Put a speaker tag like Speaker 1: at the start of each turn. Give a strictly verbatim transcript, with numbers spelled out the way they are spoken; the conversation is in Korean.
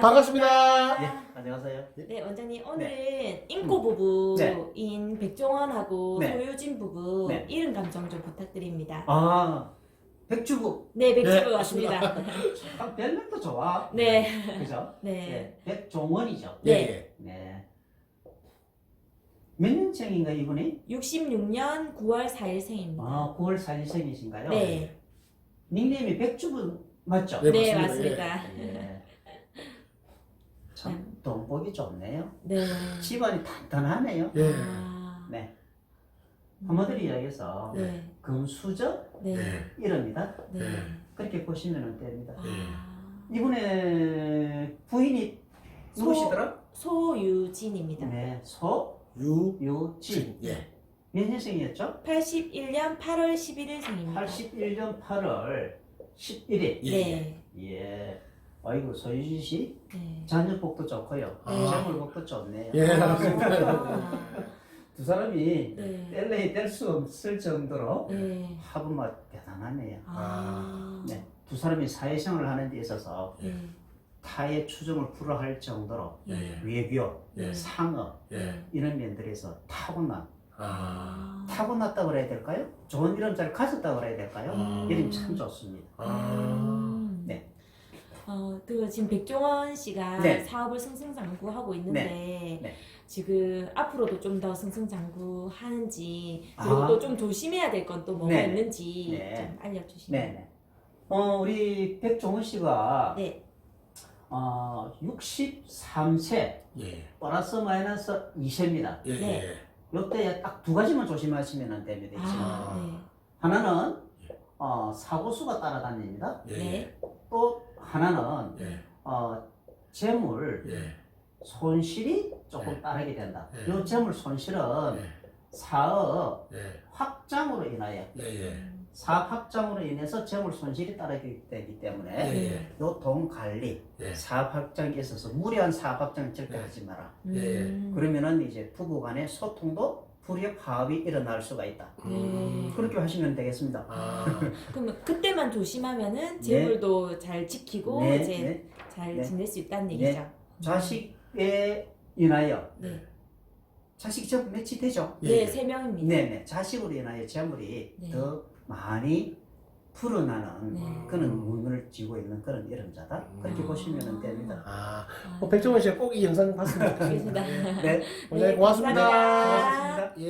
Speaker 1: 반갑습니다.
Speaker 2: 예, 안녕하세요.
Speaker 3: 네, 원장님 오늘은 인꼬 부부인
Speaker 2: 네.
Speaker 3: 백종원하고
Speaker 2: 네.
Speaker 3: 소유진 부부
Speaker 2: 네.
Speaker 3: 이름 감정 좀 부탁드립니다.
Speaker 2: 아, 백주부.
Speaker 3: 네, 백주부
Speaker 1: 네,
Speaker 3: 왔습니다.
Speaker 2: 아, 별명도 좋아.
Speaker 3: 네.
Speaker 2: 그죠?
Speaker 3: 네.
Speaker 2: 백종원이죠.
Speaker 3: 네.
Speaker 2: 네. 몇 년생인가 이분이?
Speaker 3: 육십육 년 구월 사일생입니다.
Speaker 2: 아, 구월 사일생이신가요?
Speaker 3: 네.
Speaker 2: 닉네임이 백주부 맞죠?
Speaker 1: 네,
Speaker 3: 네,
Speaker 1: 맞습니다.
Speaker 3: 맞습니다.
Speaker 2: 예. 참 돈복이 좋네요.
Speaker 3: 네.
Speaker 2: 집안이 단단하네요.
Speaker 1: 예.
Speaker 3: 아.
Speaker 2: 네. 한마디로 이야기해서
Speaker 3: 네.
Speaker 2: 금수저
Speaker 3: 네.
Speaker 1: 네.
Speaker 2: 이럽니다.
Speaker 3: 네.
Speaker 2: 그렇게 보시면 됩니다.
Speaker 3: 아.
Speaker 2: 이분의 부인이 누구시더라?
Speaker 3: 소유진입니다.
Speaker 2: 네, 소유진.
Speaker 1: 유. 예.
Speaker 2: 몇 년생이었죠?
Speaker 3: 팔십일 년 팔월 십일일생입니다.
Speaker 2: 팔십일 년 팔월 십일일.
Speaker 1: 예.
Speaker 3: 네.
Speaker 2: 예. 아이고 소유진 씨
Speaker 3: 네.
Speaker 2: 자녀복도 좋고요.
Speaker 3: 네.
Speaker 2: 재물복도 좋네요.
Speaker 1: 예.
Speaker 3: 아.
Speaker 2: 두 사람이
Speaker 3: 네.
Speaker 2: 뗄래야 뗄 수 없을 정도로
Speaker 3: 네.
Speaker 2: 합은 대단하네요.
Speaker 3: 아.
Speaker 2: 네. 두 사람이 사회생활을 하는 데 있어서
Speaker 3: 네.
Speaker 2: 타의 추종을 불허할 정도로
Speaker 1: 예.
Speaker 2: 외교,
Speaker 1: 예.
Speaker 2: 상업
Speaker 1: 예.
Speaker 2: 이런 면들에서 타고난
Speaker 1: 아.
Speaker 2: 타고났다고 그래야 될까요? 좋은 이름자를 가졌다고 그래야 될까요?
Speaker 1: 음.
Speaker 2: 이름이 참 좋습니다.
Speaker 1: 아.
Speaker 3: 음.
Speaker 2: 네.
Speaker 3: 어, 그 지금 백종원 씨가
Speaker 2: 네.
Speaker 3: 사업을 승승장구하고 있는데
Speaker 2: 네. 네.
Speaker 3: 지금 앞으로도 좀 더 승승장구하는지 그리고
Speaker 2: 아.
Speaker 3: 또 좀 조심해야 될 건 또 뭐가
Speaker 2: 네.
Speaker 3: 있는지
Speaker 2: 네.
Speaker 3: 좀 알려주시면.
Speaker 2: 네. 어, 우리 백종원 씨가
Speaker 3: 네.
Speaker 2: 어, 육십삼 세
Speaker 1: 예.
Speaker 2: 플러스 마이너스 이 세입니다.
Speaker 1: 예.
Speaker 3: 네.
Speaker 1: 예.
Speaker 2: 이때 딱 두 가지만 조심하시면 됩니다. 지금.
Speaker 3: 아, 네.
Speaker 2: 하나는 어, 사고수가 따라다닙니다.
Speaker 1: 예.
Speaker 3: 네.
Speaker 2: 또 하나는
Speaker 1: 예.
Speaker 2: 어, 재물
Speaker 1: 예.
Speaker 2: 손실이 조금
Speaker 1: 네.
Speaker 2: 따르게 된다.
Speaker 1: 네.
Speaker 2: 이 재물 손실은
Speaker 1: 예.
Speaker 2: 사업
Speaker 1: 예.
Speaker 2: 확장으로 인하여
Speaker 1: 예. 예.
Speaker 2: 사업 확장으로 인해서 재물 손실이 따르게 되기 때문에
Speaker 1: 예.
Speaker 2: 요 돈 관리,
Speaker 1: 예.
Speaker 2: 사업 확장에 있어서 무리한 사업 확장 절대
Speaker 1: 네.
Speaker 2: 하지 마라.
Speaker 1: 예.
Speaker 3: 음.
Speaker 2: 그러면은 이제 부부간의 소통도 불이익 파업이 일어날 수가 있다.
Speaker 3: 네.
Speaker 2: 그렇게 하시면 되겠습니다.
Speaker 1: 아.
Speaker 3: 그러면 그때만 조심하면은 재물도 잘 지키고
Speaker 2: 네,
Speaker 3: 이제
Speaker 2: 네.
Speaker 3: 잘
Speaker 2: 네.
Speaker 3: 지낼 수 있다는
Speaker 2: 네.
Speaker 3: 얘기죠.
Speaker 2: 자식에 인하여
Speaker 3: 네.
Speaker 2: 자식이 전 몇이 되죠?
Speaker 1: 예.
Speaker 3: 네, 세 명입니다.
Speaker 2: 네네. 자식으로 인하여 재물이
Speaker 3: 네.
Speaker 2: 더 많이 불어나는
Speaker 3: 네.
Speaker 2: 그런 운을 쥐고 있는 그런 이름자다. 그렇게
Speaker 1: 음.
Speaker 2: 보시면 됩니다.
Speaker 1: 아.
Speaker 3: 아,
Speaker 1: 뭐 백종원 씨가 꼭 이 영상 봤으면 좋겠습니다.
Speaker 3: 알겠습니다.
Speaker 2: 네.
Speaker 1: 원장님 고맙습니다.
Speaker 3: 감사합니다.
Speaker 2: 고맙습니다.
Speaker 1: 예.